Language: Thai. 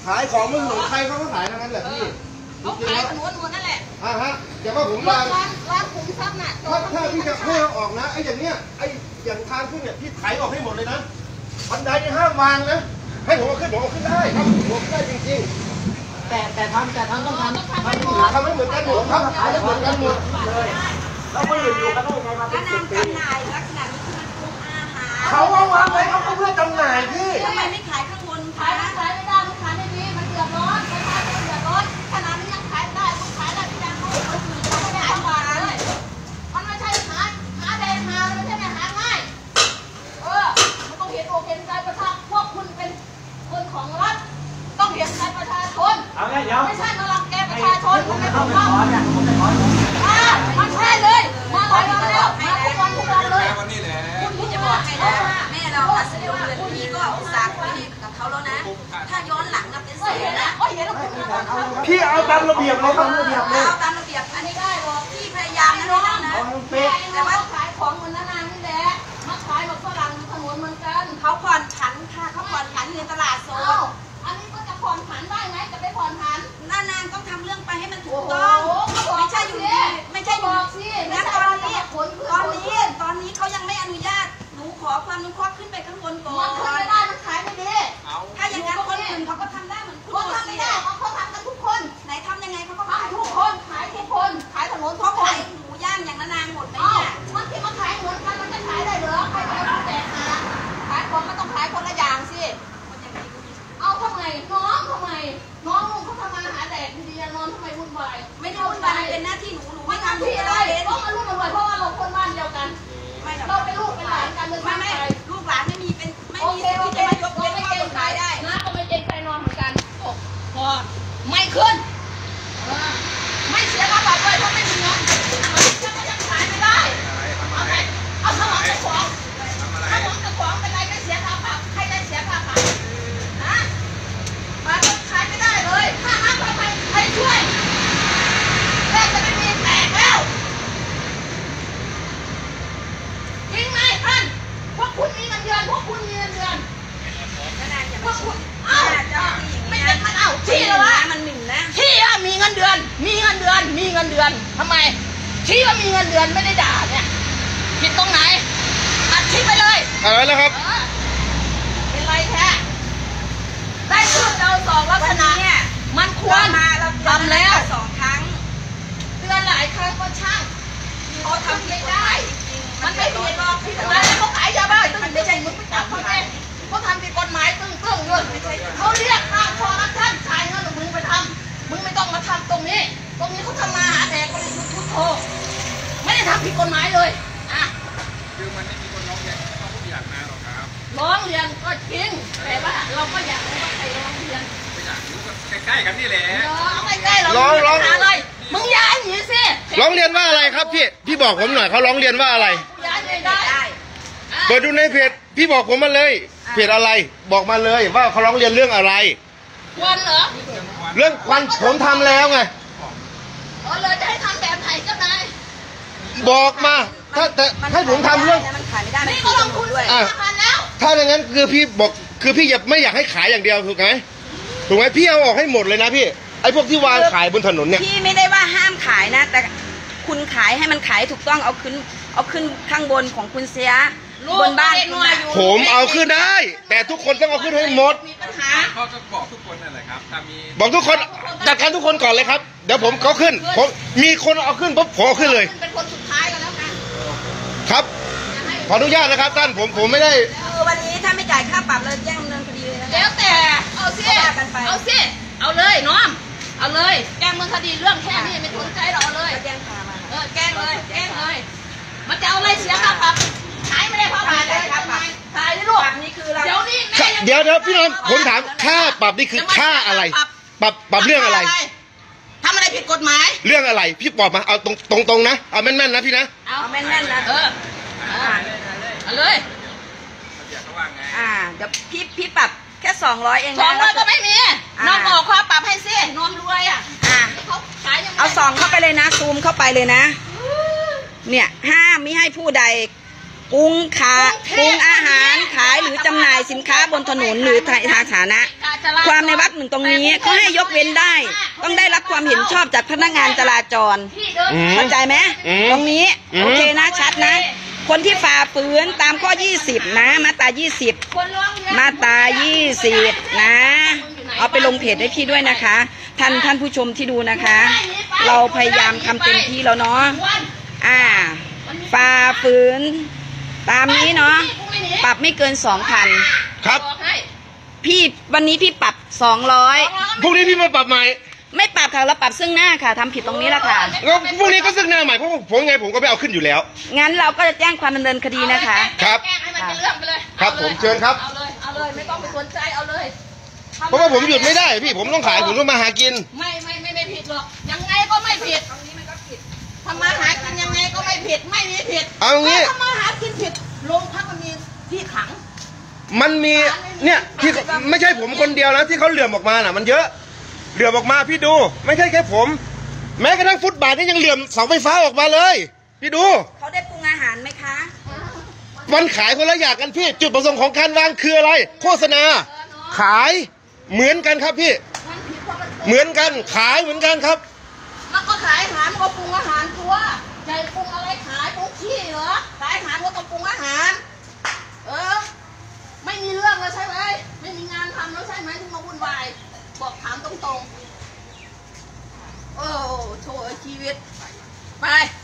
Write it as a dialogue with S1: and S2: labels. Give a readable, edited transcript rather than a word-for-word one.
S1: ขายของมันหนุนใครเขาก็ขายทั้งนั้นแหละพี่
S2: เขาขายถนนหมดนั่นแหละ
S1: ฮะแต่ว่าผมร้าน
S2: ขุมทรัพย์น่ะ
S1: ถ้าพี่จะให้เอาออกนะไอ้อย่างเนี้ยไอ้อย่างทางขึ้นเนี่ยพี่ไถออกให้หมดเลยนะบันไดนี่ห้ามวางนะให้ผมเอาขึ้นผมเอาขึ้นได้ครับผมเอาขึ้นได้จริงๆ
S3: แต่ทำต้องทำ
S1: ไม่เหมือนกันหมดครับขายไม่เหมือนกันหมดเลย
S3: เราไม่อยู่กันได้ยังไงมาเป็น10 ปี
S2: จำหน่ายลักษณะนี้คือมันปรุงอาหาร
S1: เขาเอาวางไว้เขาเพื่อจำหน่ายพี่
S2: ทำไมไม่ขายข้างบนขายไม่ได้มันขายไม่ดีมันเดือดร้อนประชาชนเดือดร้อนขนาดนี้ยังขายได้มันขายได้ที่ยังเขาไม่ได้ทำบาทเลยมันไม่ใช่หาแดงหามันไม่ใช่หาง่ายมันต้องเห็นอกเห็นใจประชาชนพวกคุณเป็นคนของรัฐต้องเห็นใจประชาชนไม่ใช่มาลังแกประชาชนมันไม่ถูกต้องมันใช่เลยมาหลายวันแล้วมาทุกวันเลยคุณที่จะบอกให้นะแม่เราตัดสินเดือนพี่ก็อุตส่าห์คุยกับเขาแล้วนะถ้าย้อนหลังนะเป็นเสียนะ
S1: พี่เอาตามระเบียบเลยครับ
S2: เอาตามระเบียบอันนี้ได้หรอกพี่พยายามนะน้องนะแต่ว่าขายของเหมือนนานๆนี่แหละมาขายแบบฝรั่งถนนเหมือนกันเขาผ่อนผันค่ะเขาผ่อนผันในตลาดโซนอันนี้ก็จะผ่อนผันได้ไหมจะไปผ่อนผันนานๆต้องทำเรื่องไปให้มันถูกต้องไม่ใช่อยู่ดีไม่ใช่อยู่งั้นตอนนี้เขายังไม่อนุญาตหนูขอความอนุเคราะห์ขึ้นไปข้างบนก่อนมันขึ้นไม่ได้มันขายไม่ดีถ้าอย่างนั้นคนอื่นเขาก็ทำได้เหมือนคุณทำไม่ได้เขาทำกันทุกคนไหนทำยังไงเขาก็ขายทุกคนขายทุกคนขายถนนทุกคนขายหมูย่างอย่างนานๆหมดไหมเนี่ยมันที่มาขายเหมือนกันมันจะขายได้เหรอใครจะเอาแต่ขายของมันต้องขายคนละอย่างสิเอาทำไมน้องลุงเขาทำมาหาแดกดีๆนอนทำไมวุ่นวายไม่ได้วุ่นวายเป็นหน้าที่หนูไม่ทำที่อะไรเพราะมันรุ่นรวยเพราะว่าเราคนบ้านเดียวกันเราเป็นลูกเป็นหลานกันเลยไม่ลูกหลานไม่มีเป็นไม่มีสิทธิ์ที่จะมายกเว้นข้อกฎหมายได้นะก็ไม่เกรงใจนอนเหมือนกันพอไม่ขึ้นไม่เสียค่าปรับเลยเพราะไม่มีเงินจะยังขายไม่ได้เอาสมองกับของเป็นไรไม่เสียค่าปรับใครได้เสียค่าปรับนะมันขายไม่ได้เลยค่าน้ำไฟใครช่วยแรกจะไม่มีแตกแล้วจริงไหมท่านพวกคุณมีเงินเดือนพวกคุณมีเงินเดือนพวกคุณไม่เป็นมันชี้เลยวะมันหมิ่นนะชี้ว่ามีเงินเดือนทำไมชี้ว่ามีเงินเดือนไม่ได้ด่าเนี่ยผิดตรงไหนอัดชี้ไปเลย
S1: อะไรแล้วครับ
S2: เป็นไรแท้ได้ชื่อเราสองลักษณะเนี่ยมันควรทำแล้ว2 ครั้งเตือนหลายครั้งก็ช่างเขาทำไม่ได้มันไม่ผิดหรอกที่ทำไมเขาขายยาบ้าตึ้งไม่ใช่มึงไปจับเขาเองเขาทำผิดกฎหมายตึ้งด้วยเขาเรียกค่าคอร์รัปชันขายเงินมึงไปทำมึงไม่ต้องมาทำตรงนี้เขาทำมาหาแดกบริสุทธิ์พุทโธไม่ได้ทำผิดกฎหมายเลย
S4: คือมันไม่มีคนร้องเรียนต้องผู้อยากมาหรอกครับ
S2: ร้องเรียนก็จริงแต่ว่าเราก็อยากรู้ว่าใครร้องเรียน
S4: ไม่อยากรู้ก็ใกล้ๆกันนี่แหละ
S2: ใกล้ๆเราร้องอะไรมึงย้ายหนีสิ
S1: ร้องเรียนว่าอะไรครับพี่บอกผมหน่อยเขาร้องเรียนว่าอะไร
S2: ย้ายได้
S1: เปิดดูในเพจพี่บอกผมมาเลยเพจอะไรบอกมาเลยว่าเขาร้องเรียนเรื่องอะไร
S2: ควันเหรอ
S1: เรื่องควันผมทำแล้วไง
S2: เลยจะให้ทำแบบไหนเจ้านาย
S1: บอกมาถ้าผมทำเรื่อง
S2: นี่ก็ลงทุนด้วย
S1: ถ้าอย่างนั้นคือพี่บอกคือพี่ไม่อยากให้ขายอย่างเดียวถูกไหมพี่เอาออกให้หมดเลยนะพี่ไอ้พวกที่วางขายบนถนนเนี่ย
S2: พี่ไม่ได้ว่าห้ามขายนะแต่คุณขายให้มันขายถูกต้องเอาขึ้นข้างบนของคุณเสียบนบ้าน
S1: ผมเอาขึ้นได้แต่ทุกคนต้องเอาขึ้นให้หมด
S4: เขาจะบอกทุกคนนั่นแหละครับถ้ามี
S1: บอกทุกคนจัดการทุกคนก่อนเลยครับเดี๋ยวผมเขาขึ้นผมมีคนเอาขึ้นปุ๊บผมเอาขึ้นเลย
S2: เป็นคนสุดท้ายกันแล้วกัน
S1: ครับขออนุญาตนะครับท่านผมไม่ได้
S2: วันนี้ถ้าไม่จ่ายค่าปรับเราแจ้งดำเนินคดีเลยนะแล้วแต่เอาเลยน้องเอาเลยแจ้งดำเนินคดีเรื่องแค่นี้ไม่สนใจเราเลยแจ้งพามาแจ้งเลยมันจะเอาอะไรเสียค่าปรับขายไม่ได้เพราะขายได้ครับขายได้ลูกนี่คือเรา
S1: เดี๋ยวพี่น้องผมถามค่าปรับนี่คือค่าอะไรปรับเรื่องอะไร
S2: ทำอะไรผิดกฎหมาย
S1: เรื่องอะไรพี่บอกมาเอาตรงนะเอาแม่นๆนะพี่นะ
S2: เอาแม่นๆนะเอาเลย
S4: เดี๋
S2: ยวพี่ปรับแค่200เอง200ก็ไม่มีน้องออกค่าปรับให้สิน้องรวยเขาขายยังไงเอา2เข้าไปเลยนะซูมเข้าไปเลยนะเนี่ยห้ามมิให้ผู้ใดปรุงอาหารขายหรือจำหน่ายสินค้าบนถนนหรือทางสาธารณะความในวรรคหนึ่งตรงนี้เขาให้ยกเว้นได้ต้องได้รับความเห็นชอบจากพนักงานจราจรเข้าใจไหมตรงนี้โอเคนะชัดนะคนที่ฝ่าฝืนตามข้อ20นะมาตรา20มาตรา20นะเอาไปลงเพจให้พี่ด้วยนะคะท่านผู้ชมที่ดูนะคะ เราพยายามทำเต็มที่แล้วเนาะฝ่าฝืนตามนี้เนาะปรับไม่เกิน 2,000
S1: ครับ
S2: พี่วันนี้พี่ปรับ200
S1: พรุ่งนี้พี่มาปรับใหม่
S2: ไม่ปรับค่ะเราปรับซึ่งหน้าค่ะทำผิดตรงนี้แหละค่ะ
S1: แล้วพรุ่งนี้ก็ซึ่งหน้าใหม่เพราะผมไงผมก็ไม่เอาขึ้นอยู่แล้ว
S2: งั้นเราก็จะแจ้งความดำเนินคดีนะคะ
S1: ครับ
S2: แจ้งให้มันเป็นเรื่องไปเลย
S1: ครับผมเชิญครับ
S2: เอาเลยไม่ต้องไปสนใจเอาเลย
S1: เพราะว่าผมหยุดไม่ได้พี่ผมต้องขายผมต้องมาหากิน
S2: ไม่ผิดหรอกยังไงก็ไม่ผิดตรงนี้มันก็ผิดทำมาหากินยังไงก็ไม่ผิดไม่มีผิด
S1: เอางี้
S2: ทำมาหากินผิดโรงพักมันมีที่ขัง
S1: มันมีเนี่ยที่ไม่ใช่ผมคนเดียวนะที่เขาเหลื่อมออกมาน่ะมันเยอะเหลื่อมออกมาพี่ดูไม่ใช่แค่ผมแม้กระทั่งฟุตบาทนี่ยังเหลื่อมเสาไฟฟ้าออกมาเลยพี่ดู
S2: เขาได้ปรุงอาหารไหมคะ
S1: มันขายคนละอย่างกันพี่จุดประสงค์ของการวางคืออะไรโฆษณาขายเหมือนกันครับพี่เหมือนกันขายเหมือนกันครับ
S2: มันก็ขายอาหารมันก็ปรุงอาหารตัวใจปรุงอะไรขายปรุงขี้เหรอขายอาหารก็ต้องปรุงอาหารไม่มีเรื่องแล้วใช่ไหมไม่มีงานทำแล้วใช่ไหมที่มาวุ่นวายบอกถามตรงๆโอ้โถชีวิตไป